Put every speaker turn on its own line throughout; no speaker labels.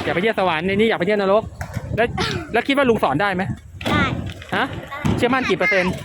อยากไปเที่ยวสวรรค์ในนี้อยากไปเที่ยวนรกแล้วคิดว่าลุงสอนได้ไหม
ได้
ฮะเชื่อมั่นกี่เปอร์เซ็นต์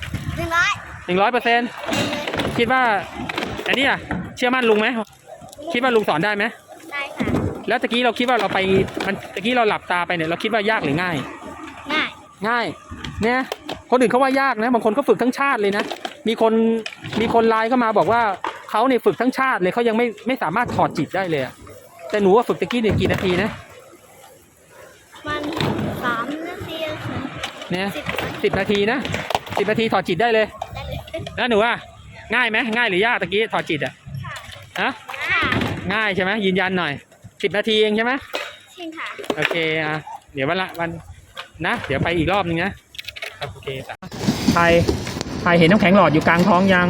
100%คิดว่าอันนี้อ่ะเชื่อมั่นลุงไหมคิดว่าลุงสอนได้ไหม
ได้ค่ะ
แล้วตะกี้เราคิดว่าเราไปมันตะกี้เราหลับตาไปเนี่ยเราคิดว่ายากหรือง่ายง่ายเนี่ยคนอื่นเขาว่ายากนะบางคนก็ฝึกทั้งชาติเลยนะมีคนไลน์เข้ามาบอกว่าเขาเนี่ยฝึกทั้งชาติเลยเขายังไม่สามารถถอดจิตได้เลยแต่หนูว่าฝึกตะกี้เนี่ยกี่นาทีนะ
มัน3 นาที
เนี่ย10 นาทีนะ10 นาทีถอดจิตได้เลยแล้วหนูว่าง่ายไหมง่ายหรือยากตะกี้ถอดจิตฮะง่ายใช่ไหมยืนยันหน่อย10 นาทีเองใช่ไหม
ใช่ค่ะ
โอเคเดี๋ยววันนะเดี๋ยวไปอีกรอบนึงนะโอเคใครเห็นน้ำแข็งหลอดอยู่กลางท้องยัง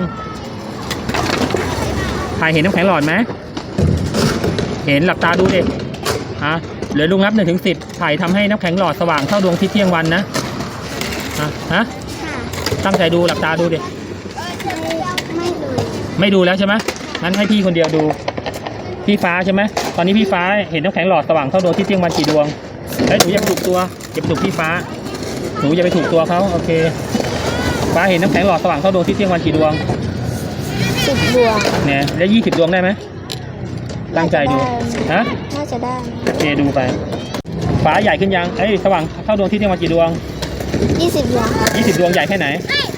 ใครเห็นน้ำแข็งหลอดไหมเห็นหลับตาดูดิเหลือลุงนับ1 ถึง 10ไผ่ทำให้น้ำแข็งหลอดสว่างเท่าดวงอาทิตย์เที่ยงวันนะตั้งใจดูหลับตาดูดิไม่ดูแล้วใช่ไหมงั้นให้พี่คนเดียวดูพี่ฟ้าใช่ไหมตอนนี้พี่ฟ้าเห็นน้ำแข็งหลอดสว่างเท่าดวงอาทิตย์เที่ยงวันกี่ดวงแล้วหนูอย่าไปถูกตัวอย่าไปถูกพี่ฟ้าหนูอย่าไปถูกตัวเขาโอเคฟ้าเห็นน้ำแข็งหลอดสว่างเท่าดวงอาทิตย์เที่ยงวันกี่ดวง
10 ดวง
เนี่ยแล้ว20 ดวงได้ไหมตั้งใจดู
น่าจะได้
โอเคดูไปฟ้าใหญ่ขึ้นยังสว่างเท่าดวงอาทิตย์เที่ยงวันกี่ดวง
20 ดวงค่ะ
20 ดวงใหญ่แค่ไหน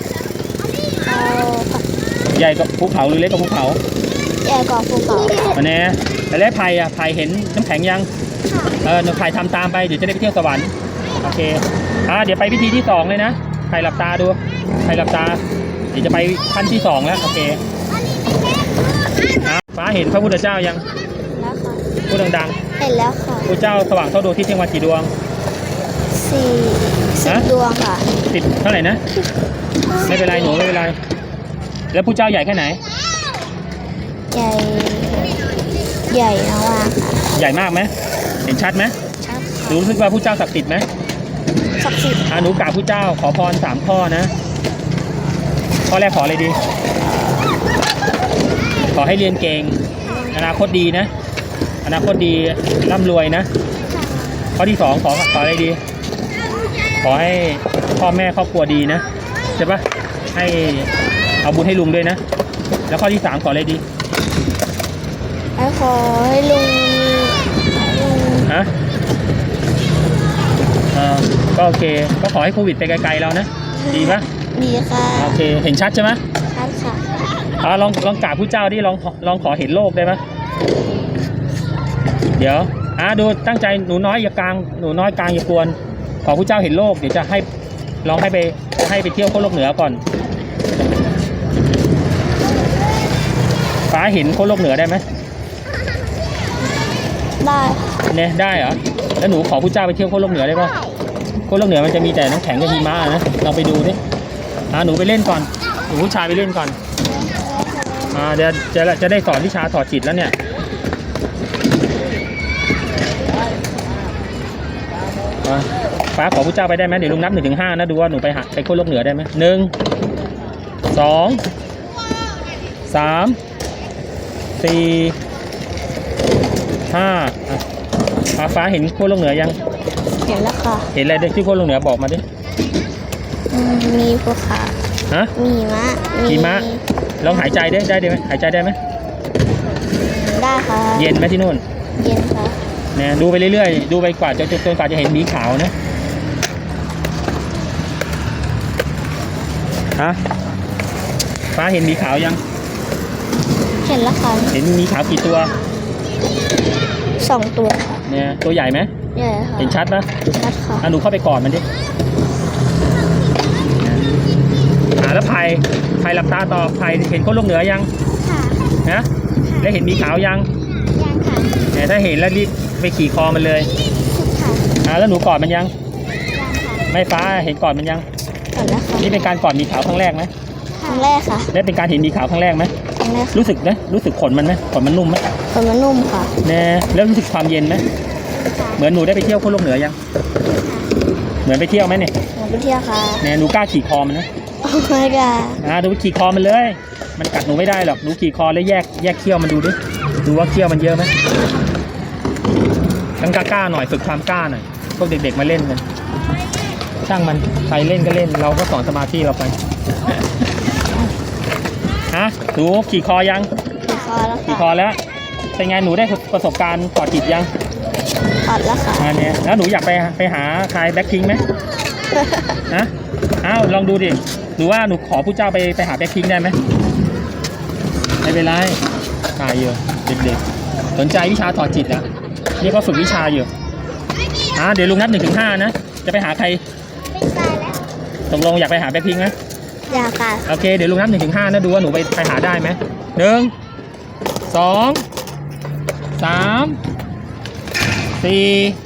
ใหญ่กว่าภูเขาหรือเล็กกว่าภูเขา
ใหญ่กว่าภูเขา
อันนี้แล้วไผ่เห็นน้ำแข็งยังไผ่ทำตามไปเดี๋ยวจะได้ไปเที่ยวสวรรค์โอเคเดี๋ยวไปพิธีที่2เลยนะไผ่หลับตาดูไผ่หลับตาเดี๋ยวจะไปขั้นที่2แล้วโอเคฟ้าเห็นพระพุทธเจ้ายัง
แล้วค่ะ
พูดดัง
ๆเห็นแล้วค่ะ
พระเจ้าสว่างเท่าดวงอาทิตย์เที่ยงวันกี่ดวง
10 ดวงค่ะ
10เท่าไหร่นะไม่เป็นไรหนูไม่เป็นไรแล้วพระเจ้าใหญ่แค่ไหน
ใหญ่มากค่ะ
ใหญ่มากไหมเห็นชัดไหม
ชัด
หนูรู้สึกว่าพระเจ้าศักดิ์สิทธิ์ไหม
ศักดิ์สิทธิ์
หนูกราบพระเจ้าขอพร3 ข้อนะข้อแรกขออะไรดีขอให้เรียนเก่งอนาคตดีนะอนาคตดีร่ำรวยนะข้อที่2ขออะไรดีขอให้พ่อแม่ครอบครัวดีนะใช่ปะให้เอาบุญให้ลุงด้วยนะแล้วข้อที่3ขออะไรดี
ขอให้ลุง
ก็โอเคก็ขอให้โควิดไปไกลๆเรานะดีปะ
ดีค่ะ
โอเคเห็นชัดใช่ไหม
ชัดค่ะ
ลองกราบผู้เจ้าดิลองขอเห็นโลกได้ไหมเดี๋ยวดูตั้งใจหนูน้อยอย่ากลางหนูน้อยกลางอย่ากวนขอผู้เจ้าเห็นโลกเดี๋ยวจะให้ลองให้ไปเที่ยวโลกเหนือก่อนฟ้าเห็นโลกเหนือได้ไหม
ได้
เนี่ยได้เหรอแล้วหนูขอผู้เจ้าไปเที่ยวโลกเหนือได้ปะโลกเหนือมันจะมีแต่น้ำแข็งกับหิมะนะเราไปดูดิหนูไปเล่นก่อนหนูผู้ชายไปเล่นก่อนเดี๋ยวจะได้สอนวิชาถอดจิตแล้วเนี่ยฟ้าขอผู้เจ้าไปได้ไหมเดี๋ยวลุงนับ1 ถึง 5นะดูว่าหนูไปโลกเหนือได้ไหม1 2 3 4 5ฟ้าเห็นโลกเหนือยัง
เห็นแล้วค่ะ
เห็นอะไรที่โลกเหนือบอกมาดิ
มีภูเขามี
หิมะลองหายใจได้ไหมหายใจได้ไหม
ได้ค่ะ
เย็นไหมที่นู่น
เย็นค่ะ
เนี่ยดูไปเรื่อยๆดูไปกว่าจนกว่าจะเห็นหมีขาวนะฟ้าเห็นหมีขาวยัง
เห็นแล้วค่ะ
เห็นหมีขาวกี่ตัว
2 ตัว
เนี่ยตัวใหญ่ไหม
ใหญ่ค่ะ
เห็นชัดปะ
ชัดค่ะ
หนูเข้าไปกอดมันดิแล้วไผ่หลับตาต่อไผ่เห็นโลกเหนือยัง
ค่ะ
นะแล้วเห็นหมีขาวยัง
ค่ะ
เนี่ยถ้าเห็นแล้วรีบไปขี่คอมันเลย
ค่ะ
แล้วหนูกอดมันยัง
ค่ะ
ไม่ฟ้าเห็นกอดมันยัง
กอดแล้วค่ะ
นี่เป็นการกอดหมีขาวครั้งแรกไหม
ครั้งแรกค่ะ
และเป็นการเห็นหมีขาวครั้งแรกไหม
ครั้งแรก
รู้สึกนะรู้สึกขนมันไหมขนมันนุ่มไหม
ขนมันนุ่มค่ะ
เนี่ยแล้วรู้สึกความเย็นไหมเหมือนหนูได้ไปเที่ยวโลกเหนือยังเหมือนไปเที่ยวไหมเนี่ย
ไปเที่ยวค่ะ
เนี่ยหนูกล้าขี่คอมันนะ
ไม่กล้า
ดูขี่คอมันเลยมันกัดหนูไม่ได้หรอกหนูขี่คอแล้วแยกเขี้ยวมันดูดิดูว่าเขี้ยวมันเยอะไหมต้องกล้าๆหน่อยฝึกความกล้าหน่อยพวกเด็กๆมาเล่นกันช่างมันใครเล่นก็เล่นเราก็สอนสมาธิเราไป ฮะหนูขี่คอยัง
ขี่คอแล้ว
ขี่
ค่ะ
คอแล้วเป็นไงหนูได้ประสบการณ์กอดจิตยัง
ถอดแล้วค่ะ
อันเนี้ยแล้วหนูอยากไปหาใครแบ็คพิงค์ไหมฮะอ้าวลองดูดิหรือว่าหนูขอผู้เจ้าไปหาแบ็คพิงค์ได้ไหมไม่เป็นไรตายอยู่เด็กๆสนใจวิชาถอดจิตนะนี่ก็ฝึกวิชาอยู่เดี๋ยวลุงนับ1 ถึง 5นะจะไปหาใคร
ไม่ตายแล้ว
ตกลงอยากไปหาแบ็คพิงค์ไหม
อยากค่ะ
โอเคเดี๋ยวลุงนับ1 ถึง 5นะดูว่าหนูไปหาได้ไหม1 2 3 4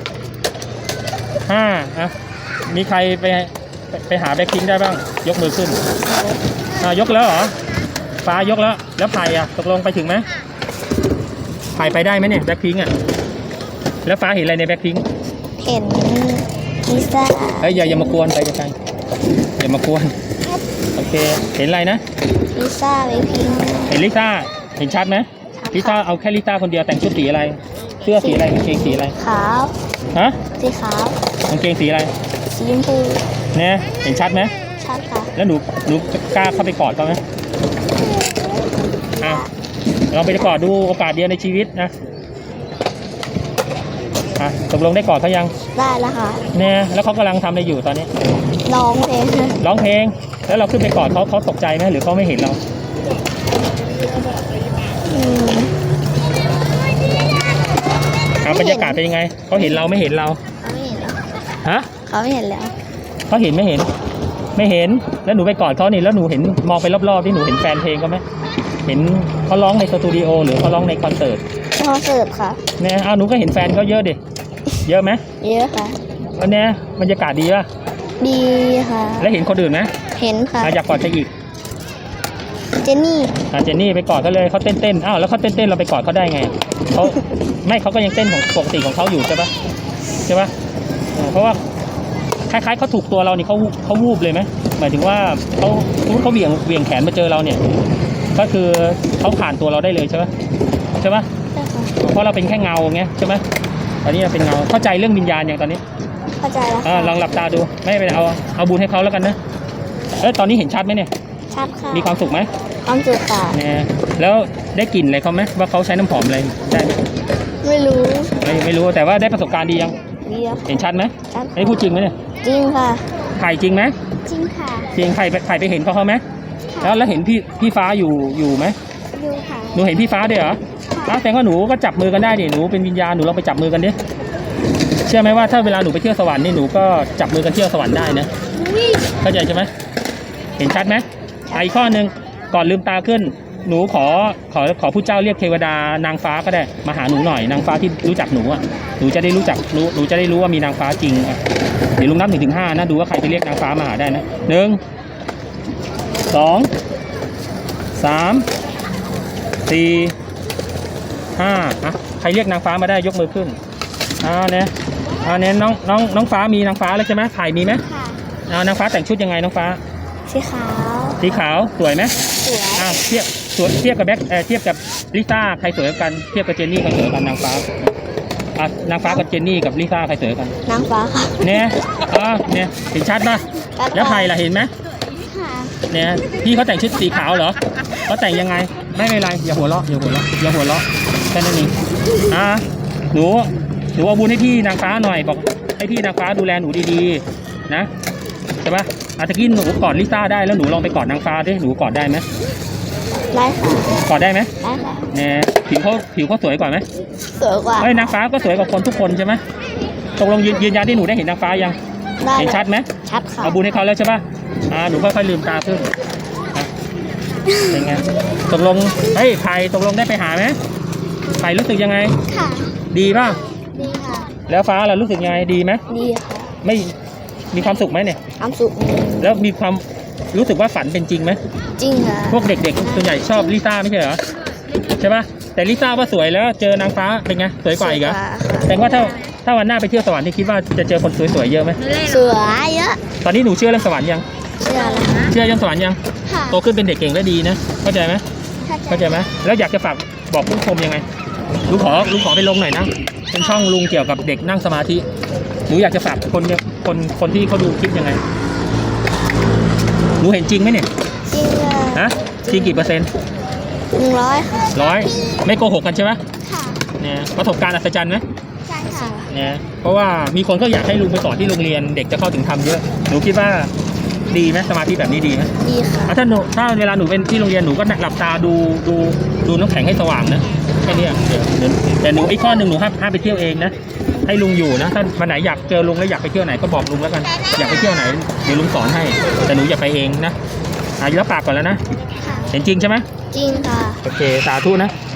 5มีใครไปหาแบ็คพิงค์ได้บ้างยกมือขึ้นยกแล้วเหรอฟ้ายกแล้วไผ่ตกลงไปถึงไหมไผ่ไปได้ไหมเนี่ยแบ็คพิงค์แล้วฟ้าเห็นอะไรในแบ็คพิงค์
เห็นลิซ่า
เฮ้ยอย่ามากวนไปไกลๆอย่ามากวนโอเคเห็นอะไรนะ
ลิซ่าไปพิง
เห็นลิซ่าเห็นชัดไหมลิซ่าเอาแค่ลิซ่าคนเดียวแต่งชุดสีอะไรเสื้อสีอะไรกางเกงสีอะไร
ขาว
ฮะ
สีขาว
กางเกงสีอะไร
สีชมพู
เนี่ยเห็นชัดไหม
ชัดค่ะ
แล้วหนูกล้าเข้าไปกอดเขาไหมลองไปกอดดูโอกาสเดียวในชีวิตนะตกลงได้กอดเขายัง
ได้แล้วค่ะ
เนี่ยแล้วเขากำลังทำอะไรอยู่ตอนนี้
ร้องเพลง
ร้องเพลงแล้วเราขึ้นไปกอดเขาตกใจไหมหรือเขาไม่เห็นเรา
อืม
บรรยากาศเป็นยังไงเขาเห็นเราไม่เห็นเรา
เขาไม่เห็นแล้ว
ฮะ
เขาไม่เห็นแล้ว
เขาเห็นไม่เห็น ไม่เห็นแล้วหนูไปกอดเขานี่แล้วหนูเห็นมองไปรอบๆที่หนูเห็นแฟนเพลงเขาไหมเห็นเขาร้องในสตูดิโอหรือเขาร้องในคอนเสิร์ต
คอนเสิร์ตค่ะ
เนี่ยหนูก็เห็นแฟนเขาเยอะดิเยอะไหม
เยอะค่ะ
วันนี้บรรยากาศดีป่ะ
ดีค่ะ
แล้วเห็นคนอื่นไหม
เห็นค่ะ
อยากกอดใครอีก
เจนนี่
เจนนี่ไปกอดเขาเลยเขาเต้นแล้วเขาเต้นเราไปกอดเขาได้ไงเขาไม่เขาก็ยังเต้นของปกติของเขาอยู่ใช่ปะเพราะว่าคล้ายๆเขาถูกตัวเรานี่เขาวูบเลยไหมหมายถึงว่าเขาเหวี่ยงแขนมาเจอเราเนี่ยก็คือเขาผ่านตัวเราได้เลยใช่ปะเพราะเราเป็นแค่เงาไงใช่ไหมตอนนี้เราเป็นเงาเข้าใจเรื่องวิญญาณอย่างตอนนี้
เข้าใจแล้วค่ะ
ลองหลับตาดูไม่เป็นไรเอาบุญให้เขาแล้วกันนะตอนนี้เห็นชัดไหมเนี่ย
ชัดค่ะ
มีความสุขไหม
ความสุขค่ะ
เนี่ยแล้วได้กลิ่นอะไรเขาไหมว่าเขาใช้น้ำหอมอะไรได้ไหม
ไม่รู้
ไม่รู้แต่ว่าได้ประสบการณ์ดียัง
ดีแล้ว
เห็นชัดไหม
ชัด
ไอ้พูดจริงไหมเนี่ย
จริงค่ะ
ไผ่จริงไหม
จริงค่ะ
จริงไผ่ไปเห็นเขาไหมแล้วเห็นพี่ฟ้าอยู่ไหม
ดูค่ะ
หนูเห็นพี่ฟ้าด้วยเหรอแต่ว่าหนูก็จับมือกันได้ดิหนูเป็นวิญญาณหนูลองไปจับมือกันดิเชื่อไหมว่าถ้าเวลาหนูไปเที่ยวสวรรค์นี่หนูก็จับมือกันเที่ยวสวรรค์ได้นะเข้าใจใช่ไหมเห็นชัดไหมอีกข้อหนึ่งก่อนลืมตาขึ้นหนูขอผู้เจ้าเรียกเทวดานางฟ้าก็ได้มาหาหนูหน่อยนางฟ้าที่รู้จักหนูหนูจะได้รู้จักหนูจะได้รู้ว่ามีนางฟ้าจริงเดี๋ยวลุงนับ1 ถึง 5นะดูว่าใครไปเรียกนางฟ้ามาหาได้นะ1 2 3 4 5ใครเรียกนางฟ้ามาได้ยกมือขึ้นเนี่ยน้องฟ้ามีนางฟ้าเลยใช่ไหมไผ่มีไหม
ค่ะ
นางฟ้าแต่งชุดยังไงน้องฟ้า
สีขาว
สีขาวสวยไหม
สวย
เทียบกับเทียบกับลิซ่าใครสวยกันเทียบกับเจนนี่ใครสวยกันนางฟ้านางฟ้ากับเจนนี่กับลิซ่าใครสวยกัน
นางฟ้าค่ะ
เนี่ยเนี่ยเห็นชัดป่ะแล้วไผ่ล่ะเห็นไหม
ค่ะ
เนี่ยพี่เขาแต่งชุดสีขาวเหรอเขาแต่งยังไงไม่เป็นไรอย่าหัวเราะแค่นั้นเองหนูเอาบุญให้พี่นางฟ้าหน่อยบอกให้พี่นางฟ้าดูแลหนูดีๆนะใช่ป่ะตะกี้หนูกอดลิซ่าได้แล้วหนูลองไปกอดนางฟ้าดิหนูกอดได้ไหม
ได้ค่ะ
กอดได้ไหม
ได้ค่ะ
เนี่ยผิวเขาสวยกว่าไหม
สวยกว่า
นางฟ้าก็สวยกว่าคนทุกคนใช่ไหมตกลงยืนยันที่หนูได้เห็นนางฟ้ายัง
ได้
เห็นชัดไหม
ชัดค่ะ
เอาบุญให้เขาแล้วใช่ป่ะหนูค่อยๆลืมตาขึ้นเป็นไงตกลงไผ่ตกลงได้ไปหาไหมไผ่รู้สึกยังไง
ค่ะ
ดีป่ะ
ดีค่ะ
แล้วฟ้าเรารู้สึกยังไงดีไหม
ดีค่ะ
ไม่มีความสุขไหมเนี่ย
ความสุข
แล้วมีความรู้สึกว่าฝันเป็นจริงไหม
จริงค่ะ
พวกเด็กๆส่วนใหญ่ชอบลิซ่าไม่ใช่เหรอใช่ป่ะแต่ลิซ่าว่าสวยแล้วเจอนางฟ้าเป็นไงสวยกว่าอีกเหรอแต่ว่าถ้าวันหน้าไปเที่ยวสวรรค์นี่คิดว่าจะเจอคนสวยๆเยอะไหม
สวยเยอะ
ตอนนี้หนูเชื่อเรื่องสวรรค์ยัง
เชื่อแล้ว
เชื่อเรื่องสวรรค์ยัง
ค่ะ
โตขึ้นเป็นเด็กเก่งและดีนะเข้าใจไหมเข้าใจไหมแล้วอยากจะฝากบอกผู้ชมยังไงลุงขอไปลงหน่อยนะเป็นช่องลุงเกี่ยวกับเด็กนั่งสมาธิหนูอยากจะฝากคนที่เขาดูคลิปยังไงหนูเห็นจริงไหมเนี่ย
จริงค่ะ
ฮะจริงกี่เปอร์เซ็นต์
100ค่ะ
100ไม่โกหกกันใช่ไหม
ค่ะ
เนี่ยประสบการณ์อัศจรรย์ไหม
ใช่ค่ะ
เนี่ยเพราะว่ามีคนก็อยากให้ลุงไปสอนที่โรงเรียนเด็กจะเข้าถึงธรรมเยอะหนูคิดว่าดีไหมสมาธิแบบนี้ดีไหม
ดีค่ะ
ถ้าเวลาหนูเป็นที่โรงเรียนหนูก็หลับตาดูน้ำแข็งให้สว่างนะแค่นี้แต่หนูอีกข้อหนึ่งหนูห้ามไปเที่ยวเองนะให้ลุงอยู่นะถ้าวันไหนอยากเจอลุงแล้วอยากไปเที่ยวไหนก็บอกลุงแล้วกันอยากไปเที่ยวไหนเดี๋ยวลุงสอนให้แต่หนูอย่าไปเองนะรับปากก่อนแล้วนะ
ค่ะ
เห็นจริงใช่ไหม
จริงค่ะ
โอเคสาธุนะ